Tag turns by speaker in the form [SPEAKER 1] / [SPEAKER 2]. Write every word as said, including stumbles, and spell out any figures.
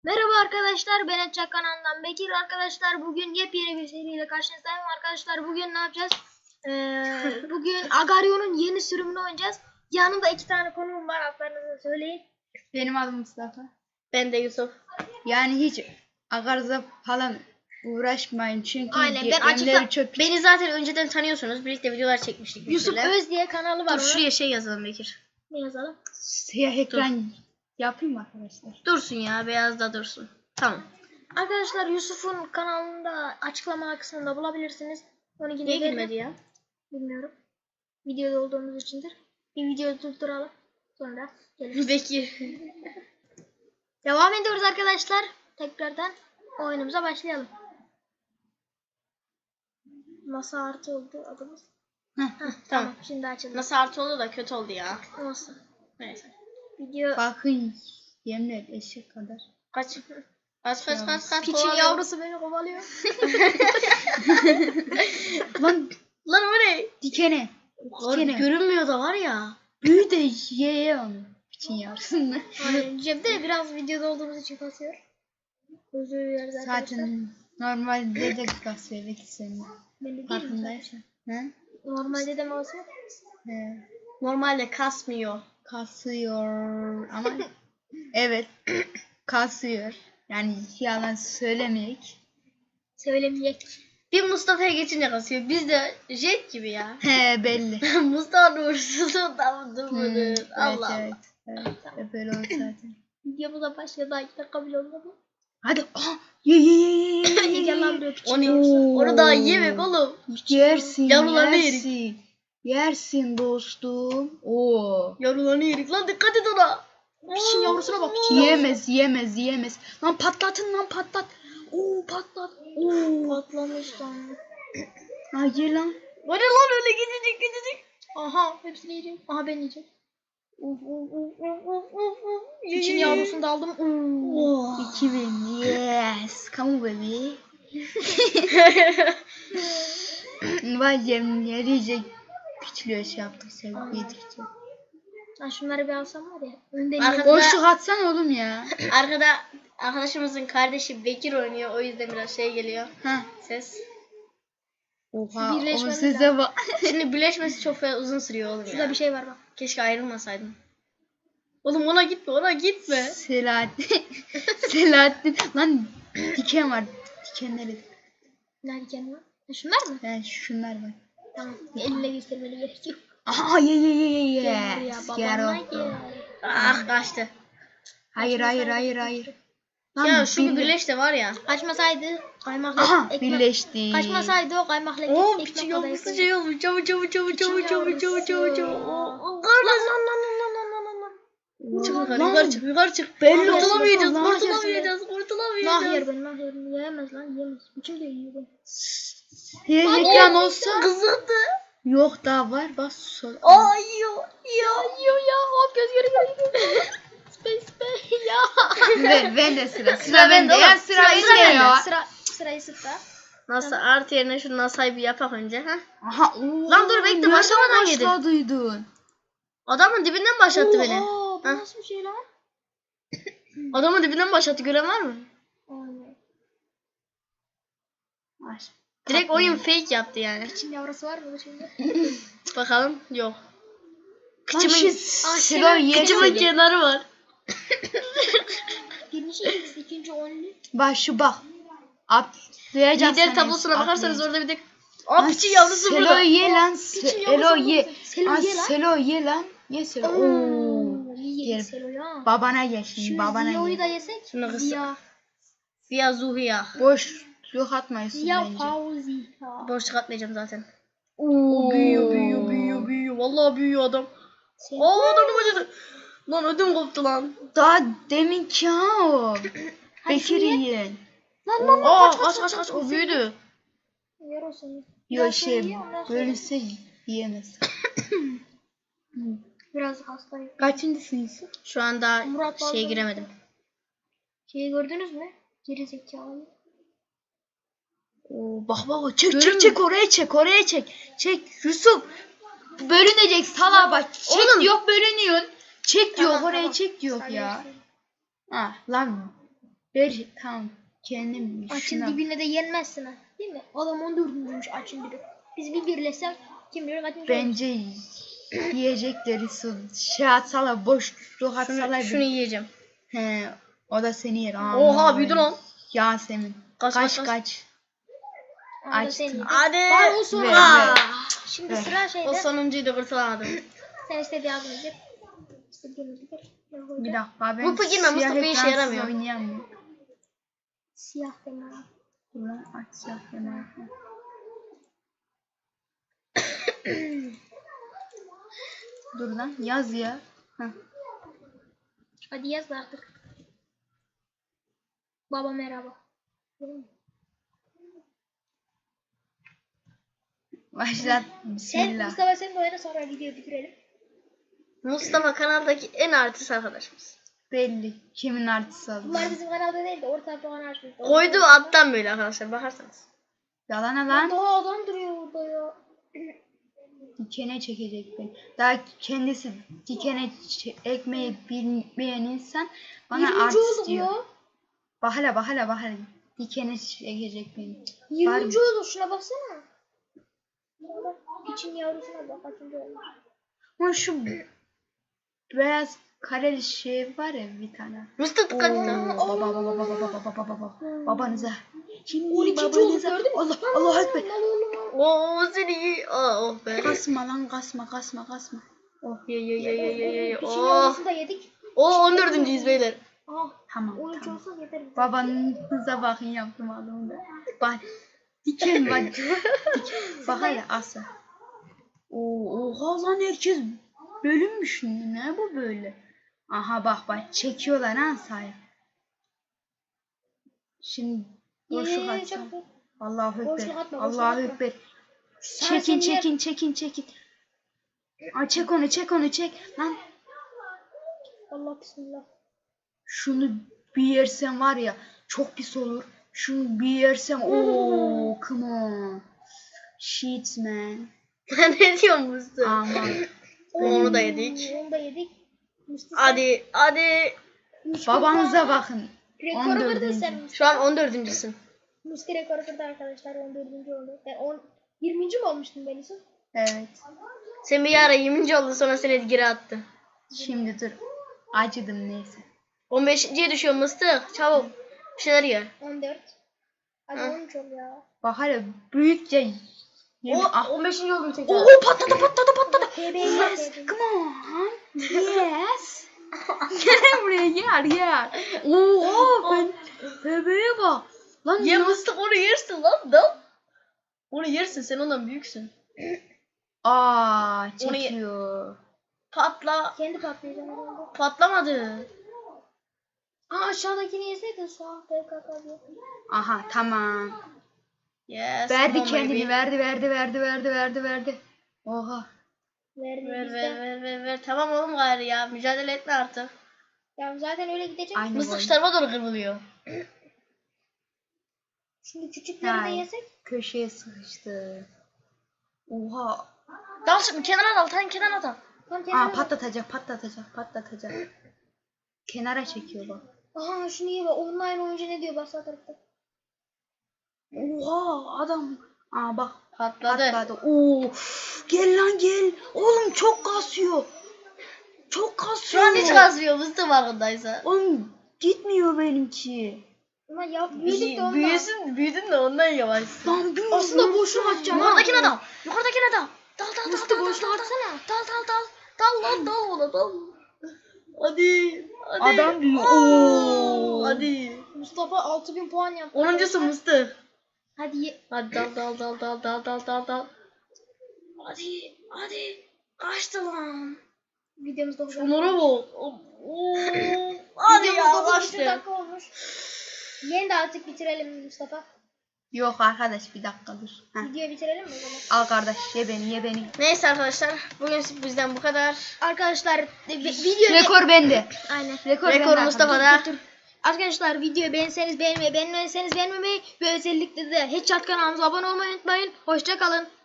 [SPEAKER 1] Merhaba arkadaşlar, ben Etçak kanalından Bekir. Arkadaşlar bugün yepyeni bir seriyle karşınızdayım. Arkadaşlar bugün ne yapacağız? Ee, bugün Agario'nun yeni sürümünü oynayacağız. Yanımda iki tane konuğum var, adlarınızı söyleyin.
[SPEAKER 2] Benim adım Mustafa.
[SPEAKER 3] Ben de Yusuf.
[SPEAKER 2] Yani hiç Agarza falan uğraşmayın çünkü
[SPEAKER 1] Aynen, ben
[SPEAKER 2] gemleri
[SPEAKER 1] açıkla-
[SPEAKER 2] çok
[SPEAKER 3] Beni zaten önceden tanıyorsunuz. Birlikte videolar çekmiştik.
[SPEAKER 1] Yusuf
[SPEAKER 3] mesela.
[SPEAKER 1] Öz diye kanalı var.
[SPEAKER 3] Dur
[SPEAKER 1] onun.
[SPEAKER 3] şuraya şey yazalım Bekir.
[SPEAKER 1] Ne yazalım?
[SPEAKER 2] siyah ekran yapayım mı arkadaşlar?
[SPEAKER 3] Dursun ya, beyaz da dursun. Tamam.
[SPEAKER 1] Arkadaşlar Yusuf'un kanalında açıklama kısmında bulabilirsiniz. Onu yine
[SPEAKER 3] Niye
[SPEAKER 1] veririm.
[SPEAKER 3] girmedi ya?
[SPEAKER 1] Bilmiyorum. Videoda olduğumuz içindir. Bir videoyu durduralım. Sonra geliriz.
[SPEAKER 3] Bekir.
[SPEAKER 1] Devam ediyoruz arkadaşlar. Tekrardan oyunumuza başlayalım. Masa artı oldu adımız.
[SPEAKER 2] Heh,
[SPEAKER 1] Heh, tamam. Şimdi açalım.
[SPEAKER 3] Nasıl artı oldu da kötü oldu ya.
[SPEAKER 1] Nasıl?
[SPEAKER 3] Neyse.
[SPEAKER 1] Video
[SPEAKER 2] bakın yemler eşek kadar.
[SPEAKER 3] Kaç. Kaç kaç kaç kaç.
[SPEAKER 1] piçin
[SPEAKER 3] kovalıyor.
[SPEAKER 1] yavrusu beni kovalıyor.
[SPEAKER 2] Lan
[SPEAKER 3] Lan o ne?
[SPEAKER 2] dikene.
[SPEAKER 3] Var,
[SPEAKER 2] Dikene.
[SPEAKER 3] görünmüyor da var ya.
[SPEAKER 2] Büyü de ye ye onu. Piçin yavrusunu.
[SPEAKER 1] Aynen. Cem'de biraz videoda olduğumuz için kasıyor. Özür dileriz arkadaşlar.
[SPEAKER 2] Zaten normalde de gaz vermek istemiyorum.
[SPEAKER 1] Belli değil mi?
[SPEAKER 2] Farkındaysan. He?
[SPEAKER 1] Normalde de mi olsun?
[SPEAKER 2] He.
[SPEAKER 3] Normalde kasmıyor.
[SPEAKER 2] Kasıyor ama evet kasıyor. Yani yalan söylemeyek.
[SPEAKER 1] Söylemeyecek.
[SPEAKER 3] Bir Mustafa'ya geçince kasıyor. Biz de jet gibi ya.
[SPEAKER 2] He belli.
[SPEAKER 3] Mustafa uğursuzluğundan
[SPEAKER 2] Hmm,
[SPEAKER 3] durmadı.
[SPEAKER 2] evet,
[SPEAKER 3] Allah
[SPEAKER 2] evet, evet, evet. Böyle olur zaten.
[SPEAKER 1] Videomuz da başladı. Daha iki dakika bile olmadı.
[SPEAKER 2] Hadi. Aha, ye ye ye ye ye ye.
[SPEAKER 1] Gel lan buraya piçin
[SPEAKER 3] Onu,
[SPEAKER 1] yavrusu.
[SPEAKER 3] onu daha yemek oğlum.
[SPEAKER 2] Yersin,
[SPEAKER 3] Yavrularını
[SPEAKER 2] yersin. Yersin dostum. Oo.
[SPEAKER 3] Yavrularını yedik lan, dikkat et ona.
[SPEAKER 1] Piçin yavrusuna bak. Piçin yavrusuna.
[SPEAKER 2] Yiyemez, yiyemez, yiyemez. Lan patlatın lan patlat. Oo patlat. Oo.
[SPEAKER 1] Patlamış lan.
[SPEAKER 2] Ha ye lan.
[SPEAKER 3] O ne lan öyle gidecek gidecek.
[SPEAKER 1] Aha hepsini yiyeceğim. Aha ben yiyeceğim.
[SPEAKER 3] Uf uf uf uf uf uf uf. Ye,
[SPEAKER 1] İçin
[SPEAKER 3] ye, ye.
[SPEAKER 1] yavrusunu da aldım.
[SPEAKER 3] Oh.
[SPEAKER 2] İki bin. Yes. Come on baby. Vay yem yiyecek. Piçliyor şey yaptık sen yedikçe.
[SPEAKER 1] Ha şunları bir alsam var ya. Önden
[SPEAKER 3] Arkada-
[SPEAKER 1] yedim.
[SPEAKER 2] Boşluk atsan oğlum ya.
[SPEAKER 3] Arkada arkadaşımızın kardeşi Bekir oynuyor, o yüzden biraz şey geliyor.
[SPEAKER 2] Ha.
[SPEAKER 3] Ses.
[SPEAKER 2] Oha o
[SPEAKER 1] Birleşmemiz
[SPEAKER 2] size bak.
[SPEAKER 3] Şimdi birleşmesi çok fazla uzun sürüyor oğlum
[SPEAKER 1] Şurada
[SPEAKER 3] ya.
[SPEAKER 1] bir şey var bak.
[SPEAKER 3] Keşke ayrılmasaydın. Oğlum ona gitme, ona gitme.
[SPEAKER 2] Selahattin. Selahattin. Lan diken var. Dikenleri.
[SPEAKER 1] Nerede kendi var? Ha, şunlar mı?
[SPEAKER 2] Yani şunlar var.
[SPEAKER 1] Tamam. Elle göstermeli gerek yok.
[SPEAKER 2] Aha ye ye ye ye
[SPEAKER 1] Gel
[SPEAKER 2] yes.
[SPEAKER 1] buraya
[SPEAKER 2] Gel
[SPEAKER 1] babana
[SPEAKER 2] o.
[SPEAKER 1] gel.
[SPEAKER 3] Ah kaçtı.
[SPEAKER 2] Hayır hayır hayır hayır. Lan
[SPEAKER 3] Ya şu
[SPEAKER 2] birle-
[SPEAKER 3] birleş de var ya.
[SPEAKER 1] Kaçmasaydı kaymakla
[SPEAKER 2] Aha
[SPEAKER 1] ekmek.
[SPEAKER 2] birleşti.
[SPEAKER 1] Kaçmasaydı o kaymakla
[SPEAKER 3] Oo
[SPEAKER 1] ekmek
[SPEAKER 3] piçi
[SPEAKER 1] kadar
[SPEAKER 3] yavrusu
[SPEAKER 1] ekmek.
[SPEAKER 3] şey olmuş. Çabuk çabuk çabuk çabuk çabuk çabuk çabuk çabuk.
[SPEAKER 1] Lan
[SPEAKER 3] Oo,
[SPEAKER 1] lan lan lan lan lan lan lan.
[SPEAKER 3] Çık yukarı,
[SPEAKER 2] Lan.
[SPEAKER 3] yukarı çık, yukarı çık.
[SPEAKER 2] Belli
[SPEAKER 3] Kurtulamayacağız,
[SPEAKER 2] olsun lan.
[SPEAKER 3] kurtulamayacağız,
[SPEAKER 1] Nah
[SPEAKER 3] kurtulamayacağız.
[SPEAKER 1] yer ben nah yer. Yiyemez lan yiyemez. Kim de yiyor bu?
[SPEAKER 2] Siyah ekran olsa
[SPEAKER 3] Kızıldı.
[SPEAKER 2] yok daha var bak sol.
[SPEAKER 3] Aa yiyor, yiyor.
[SPEAKER 1] Yiyor ya. Hop göz göre göre. Space space ya.
[SPEAKER 2] ben, ben de sıra. Sıra,
[SPEAKER 3] Sıra
[SPEAKER 2] bende
[SPEAKER 3] bende
[SPEAKER 2] ya
[SPEAKER 3] oğlum.
[SPEAKER 2] sıra
[SPEAKER 3] Sıra-
[SPEAKER 2] bende
[SPEAKER 3] sıra bende.
[SPEAKER 2] ya.
[SPEAKER 1] Sıra sırayı sıra.
[SPEAKER 3] Nasıl artı yerine şu nasayı bir yapak önce ha?
[SPEAKER 2] Aha. Oo,
[SPEAKER 3] Lan dur, bekle,
[SPEAKER 2] nereden
[SPEAKER 3] başlamadan yedin.
[SPEAKER 2] başladıydın?
[SPEAKER 3] Adamın dibinden başlattı beni.
[SPEAKER 1] Aa, bu
[SPEAKER 3] Ha?
[SPEAKER 1] nasıl bir şey lan?
[SPEAKER 3] Adamın dibinden başlattı, gören var mı?
[SPEAKER 1] Aynen.
[SPEAKER 2] Ay,
[SPEAKER 3] Direkt oyun fake yaptı yani.
[SPEAKER 1] Çin yavrusu var mı şimdi?
[SPEAKER 3] Bakalım, yok.
[SPEAKER 2] Lan
[SPEAKER 3] Kıçımın,
[SPEAKER 2] şu
[SPEAKER 1] Aa,
[SPEAKER 2] sıra
[SPEAKER 1] senin
[SPEAKER 3] kıçımın
[SPEAKER 2] yersin.
[SPEAKER 3] kenarı var.
[SPEAKER 1] Birinci X, ikinci onlu.
[SPEAKER 2] Bak şu bak. Atlayacak.
[SPEAKER 3] Lider tablosuna bakarsanız orada bir de Aa
[SPEAKER 2] Lan
[SPEAKER 3] piçi yavrusu
[SPEAKER 2] Selo
[SPEAKER 3] burada.
[SPEAKER 2] ye lan.
[SPEAKER 1] Piçin
[SPEAKER 2] Se-
[SPEAKER 1] yavrusu
[SPEAKER 2] Elo
[SPEAKER 1] burada.
[SPEAKER 2] ye.
[SPEAKER 1] Selo
[SPEAKER 2] Aa,
[SPEAKER 1] ye lan.
[SPEAKER 2] Selo ye lan. Ye Selo. Oo.
[SPEAKER 1] Oo, iyi
[SPEAKER 2] Yer.
[SPEAKER 1] yedik Selo ya.
[SPEAKER 2] Babana gel şimdi.
[SPEAKER 1] Şu
[SPEAKER 2] Babana
[SPEAKER 1] Ziya'yı da
[SPEAKER 2] gel.
[SPEAKER 1] yesek.
[SPEAKER 3] Şunu kısa-
[SPEAKER 1] Ziya.
[SPEAKER 3] Ziya Zuhiya.
[SPEAKER 2] Boş yok atmayasın
[SPEAKER 1] Ziya
[SPEAKER 2] bence.
[SPEAKER 1] Fauzi.
[SPEAKER 3] Boşluk atmayacağım zaten.
[SPEAKER 2] Oo.
[SPEAKER 3] Büyüyor, büyüyor, büyüyor, büyüyor. Vallahi büyüyor adam.
[SPEAKER 1] Sen-
[SPEAKER 3] Aa adamın acıdı. Lan ödüm koptu lan.
[SPEAKER 2] Daha demin ki ha o.
[SPEAKER 1] Hadi şunu
[SPEAKER 2] Bekir
[SPEAKER 1] ye.
[SPEAKER 2] yiyen.
[SPEAKER 1] Lan lan lan
[SPEAKER 3] Aa
[SPEAKER 1] kaç
[SPEAKER 3] kaç kaç kaç, o büyüdü.
[SPEAKER 1] Yer olsun.
[SPEAKER 2] Yok
[SPEAKER 1] Biraz
[SPEAKER 2] şey
[SPEAKER 1] şöyle ye, ondan sonra-
[SPEAKER 2] bölünse yiyemez.
[SPEAKER 1] Biraz hastayım.
[SPEAKER 2] Kaçıncısın Yusuf?
[SPEAKER 3] Şu anda
[SPEAKER 1] Murat
[SPEAKER 3] şeye
[SPEAKER 1] Balcı.
[SPEAKER 3] giremedim.
[SPEAKER 1] Şeyi gördünüz mü? Geri zekalı.
[SPEAKER 2] Oo, bak bak çek
[SPEAKER 3] Görün
[SPEAKER 2] çek
[SPEAKER 3] mü?
[SPEAKER 2] çek oraya çek oraya çek. Çek Yusuf. Bölünecek salağa bak. Çek
[SPEAKER 3] Oğlum.
[SPEAKER 2] diyor bölünüyorsun. Çek diyor
[SPEAKER 1] Tamam,
[SPEAKER 2] oraya
[SPEAKER 1] tamam.
[SPEAKER 2] çek diyor
[SPEAKER 1] Hadi
[SPEAKER 2] ya.
[SPEAKER 1] görüşürüz.
[SPEAKER 2] Ha lan Ver tamam. Kendim
[SPEAKER 1] Açın
[SPEAKER 2] şuna.
[SPEAKER 1] dibine de yenmezsin ha. Değil mi? Adam on dördüncüymüş açın dibi. Biz bir birleşsek kim bilir kaçıncı olur.
[SPEAKER 2] Bence yiyecekleri su şey atsalar boşluk atsalar.
[SPEAKER 3] Şunu, şunu yiyeceğim.
[SPEAKER 2] He, o da seni yer. Aman.
[SPEAKER 3] Oha büyüdü lan.
[SPEAKER 2] Yasemin.
[SPEAKER 3] Kaç,
[SPEAKER 2] Kaç
[SPEAKER 3] kaç,
[SPEAKER 2] kaç.
[SPEAKER 1] Aa, da
[SPEAKER 2] açtım.
[SPEAKER 1] seni.
[SPEAKER 3] Hadi.
[SPEAKER 1] Var o son.
[SPEAKER 2] Ver,
[SPEAKER 3] Aa,
[SPEAKER 2] ver.
[SPEAKER 1] Şimdi
[SPEAKER 2] Ver.
[SPEAKER 1] sıra
[SPEAKER 3] O
[SPEAKER 1] şeyde.
[SPEAKER 3] sonuncuydu kurtulamadım.
[SPEAKER 1] Sen istediği adını gir. İstediğini gir.
[SPEAKER 2] Bir dakika ben
[SPEAKER 3] Mupa girme,
[SPEAKER 2] siyah
[SPEAKER 3] Mustafa işe
[SPEAKER 2] ekransız
[SPEAKER 3] yaramıyor.
[SPEAKER 2] oynayamıyorum.
[SPEAKER 1] Siyah deme.
[SPEAKER 2] Dur lan aç siyah ekranı. Dur lan yaz ya. Heh.
[SPEAKER 1] Hadi yaz da artık. Baba merhaba.
[SPEAKER 2] Başlat.
[SPEAKER 1] Sen
[SPEAKER 2] Bismillah.
[SPEAKER 1] Mustafa sen de oyna sonra videoyu bitirelim.
[SPEAKER 3] Mustafa kanaldaki en artist arkadaşımız.
[SPEAKER 2] Belli. Kimin artısı aldı?
[SPEAKER 1] Bunlar bizim kanalda değil de orta falan açtık.
[SPEAKER 3] Koyduğu alttan böyle arkadaşlar bakarsanız.
[SPEAKER 2] Yalana lan.
[SPEAKER 1] Daha adam duruyor orada ya.
[SPEAKER 2] Dikene çekecek beni. Daha kendisi dikene ç- ekmeği bilmeyen insan bana
[SPEAKER 1] yirminci
[SPEAKER 2] artist
[SPEAKER 1] olduk
[SPEAKER 2] diyor.
[SPEAKER 1] ya.
[SPEAKER 2] Bahala bahala bahala. Dikene çekecek beni.
[SPEAKER 1] yirminci olduk şuna baksana. Bak, İçin yavrusuna bak kaçıncı olmuş.
[SPEAKER 2] Ama şu beyaz kareli şey var ya bir tane.
[SPEAKER 3] Mustafa
[SPEAKER 2] Oo,
[SPEAKER 3] kaçtı.
[SPEAKER 2] baba baba baba baba baba baba baba. Babanıza. Şimdi
[SPEAKER 1] on ikinci olduk
[SPEAKER 2] babanıza.
[SPEAKER 1] gördün mü?
[SPEAKER 2] Allah Allah ekber.
[SPEAKER 3] Oo seni. Aa, oh be.
[SPEAKER 2] Kasma lan kasma kasma kasma. Oh
[SPEAKER 3] Ye ye ye ye ye ye.
[SPEAKER 1] İçin
[SPEAKER 3] Oh.
[SPEAKER 1] yavrusunu da yedik.
[SPEAKER 3] Oo on dördüncüyüz beyler.
[SPEAKER 1] Ah,
[SPEAKER 2] tamam
[SPEAKER 1] on üç
[SPEAKER 2] tamam.
[SPEAKER 1] olsa yeter. bize.
[SPEAKER 2] Babanıza bakın yaptım adamı da. Bak. Diken bak. Diken. Bak hele asa. Oo, oha lan herkes bölünmüş. Ne bu böyle? Aha bak bak çekiyorlar ha sahaya. Şimdi boşluk
[SPEAKER 1] Ye,
[SPEAKER 2] atacağım.
[SPEAKER 1] çok-
[SPEAKER 2] Allahu Ekber.
[SPEAKER 1] Boşluk atma, boşluk
[SPEAKER 2] Allahu
[SPEAKER 1] atma.
[SPEAKER 2] Ekber.
[SPEAKER 1] Sen-
[SPEAKER 2] Çekin
[SPEAKER 1] sen yer-
[SPEAKER 2] çekin çekin çekin. Aa, çek onu çek onu çek. Lan
[SPEAKER 1] Allah bismillah.
[SPEAKER 2] şunu bir yersem var ya çok pis olur. Şunu bir yersem ooo come on. Shit man.
[SPEAKER 3] Ne diyorsun Mustafa?
[SPEAKER 2] Aman.
[SPEAKER 3] Onu da yedik.
[SPEAKER 1] Onu da yedik. Mustafa
[SPEAKER 3] Hadi hadi.
[SPEAKER 1] üç
[SPEAKER 2] Babanıza
[SPEAKER 1] kupa-
[SPEAKER 2] bakın.
[SPEAKER 1] Rekoru
[SPEAKER 2] on
[SPEAKER 1] kırdın
[SPEAKER 2] dördüncü.
[SPEAKER 1] sen.
[SPEAKER 3] Şu an on dördüncüsün.
[SPEAKER 1] Musti rekoru kırdı arkadaşlar. on dördüncü oldu. Ben on, yirminci mi olmuştum ben Yusuf?
[SPEAKER 2] Evet.
[SPEAKER 3] Sen bir ara yirminci oldu sonra seni geri attı.
[SPEAKER 2] Şimdi dur. Acıdım neyse.
[SPEAKER 3] on beşinciye düşüyor Mıstık. Çabuk. Bir şeyler ye.
[SPEAKER 1] on dört. Hadi
[SPEAKER 3] Hı.
[SPEAKER 1] on üç ol ya.
[SPEAKER 2] Bak hele büyükçe.
[SPEAKER 3] O
[SPEAKER 2] Ah.
[SPEAKER 3] on beşinci oldum tekrar.
[SPEAKER 2] Oo patladı patladı patladı.
[SPEAKER 1] T B
[SPEAKER 2] Yes. Come on. Yes. Gel buraya gel gel. Oo ben bebeğe bak. Lan
[SPEAKER 3] Ye
[SPEAKER 2] ya.
[SPEAKER 3] Mıstık onu yersin lan da. Onu yersin sen ondan büyüksün.
[SPEAKER 2] Aa
[SPEAKER 3] Onu ye-
[SPEAKER 2] çekiyor.
[SPEAKER 3] Patla.
[SPEAKER 1] Kendi patlayacağım herhalde.
[SPEAKER 3] Patlamadı.
[SPEAKER 1] Aa aşağıdakini yeseydin sağ P K K diye.
[SPEAKER 2] Aha tamam.
[SPEAKER 3] Yes.
[SPEAKER 2] Verdi
[SPEAKER 3] come on,
[SPEAKER 2] kendini
[SPEAKER 3] baby.
[SPEAKER 2] verdi verdi verdi verdi verdi verdi. Oha.
[SPEAKER 1] Verdi
[SPEAKER 3] Ver
[SPEAKER 1] bizde.
[SPEAKER 3] ver ver ver ver. Tamam oğlum gayrı ya. Mücadele etme artık.
[SPEAKER 1] Ya zaten öyle gidecek.
[SPEAKER 2] Aynı
[SPEAKER 3] Mıstık
[SPEAKER 2] boy.
[SPEAKER 3] şu tarafa doğru kırılıyor.
[SPEAKER 1] Şimdi küçükleri de
[SPEAKER 2] Ay,
[SPEAKER 1] yesek.
[SPEAKER 2] köşeye sıkıştı. Oha.
[SPEAKER 3] Dal şimdi kenara dal. Sen kenara dal.
[SPEAKER 1] Tam
[SPEAKER 2] Aa
[SPEAKER 1] kenara.
[SPEAKER 2] patlatacak patlatacak patlatacak. Kenara çekiyor bak.
[SPEAKER 1] Aha şunu ye bak. Online oyuncu ne diyor bak sağ tarafta.
[SPEAKER 2] Oha adam. Aa bak
[SPEAKER 3] Patladı.
[SPEAKER 2] patladı. Oo. Gel lan gel. Oğlum çok kasıyor. Çok
[SPEAKER 3] Şu
[SPEAKER 2] kasıyor.
[SPEAKER 3] an hiç kasmıyor Mıstık farkındaysa.
[SPEAKER 2] Oğlum gitmiyor benimki.
[SPEAKER 1] Ama ya büyüdük de ondan.
[SPEAKER 3] Büyüsün, büyüdün de ondan yavaşsın.
[SPEAKER 2] Lan bir
[SPEAKER 1] Aslında boşuna atacağım.
[SPEAKER 3] Yukarıdakine dal. Yukarıdakine dal. Dal dal dal
[SPEAKER 1] Mıstık
[SPEAKER 3] dal dal
[SPEAKER 1] boşuna
[SPEAKER 3] dal
[SPEAKER 1] atsana.
[SPEAKER 3] dal dal dal. Dal lan dal ona dal. Hadi. Hadi.
[SPEAKER 2] Adam büyüyor.
[SPEAKER 3] Oo.
[SPEAKER 2] Oo.
[SPEAKER 3] Hadi.
[SPEAKER 1] Mustafa altı bin puan yaptı.
[SPEAKER 3] Onuncusu Mıstık.
[SPEAKER 1] Hadi ye.
[SPEAKER 3] Hadi dal dal dal dal dal dal dal dal. Hadi. Hadi. Kaçtı lan.
[SPEAKER 1] Videomuz dokuz.
[SPEAKER 3] Şunlara bak. Oo. Hadi ya
[SPEAKER 1] Videomuz dokuz
[SPEAKER 3] kaçtı.
[SPEAKER 1] dakika olmuş. Yeni de artık bitirelim Mustafa.
[SPEAKER 2] Yok arkadaş bir dakika dur. Heh.
[SPEAKER 1] Videoyu bitirelim mi o zaman?
[SPEAKER 2] Al kardeş ye beni ye beni.
[SPEAKER 3] Neyse arkadaşlar. Bugün bizden bu kadar.
[SPEAKER 1] Arkadaşlar e, vi- video
[SPEAKER 2] Rekor bende.
[SPEAKER 1] Aynen.
[SPEAKER 2] Rekor,
[SPEAKER 3] Rekor
[SPEAKER 2] bende
[SPEAKER 3] Mustafa'da.
[SPEAKER 2] arkadaşlar.
[SPEAKER 1] Arkadaşlar videoyu beğenseniz beğenmeyi, beğenmezseniz beğenmemeyi ve özellikle de Headshot kanalımıza abone olmayı unutmayın. Hoşça kalın.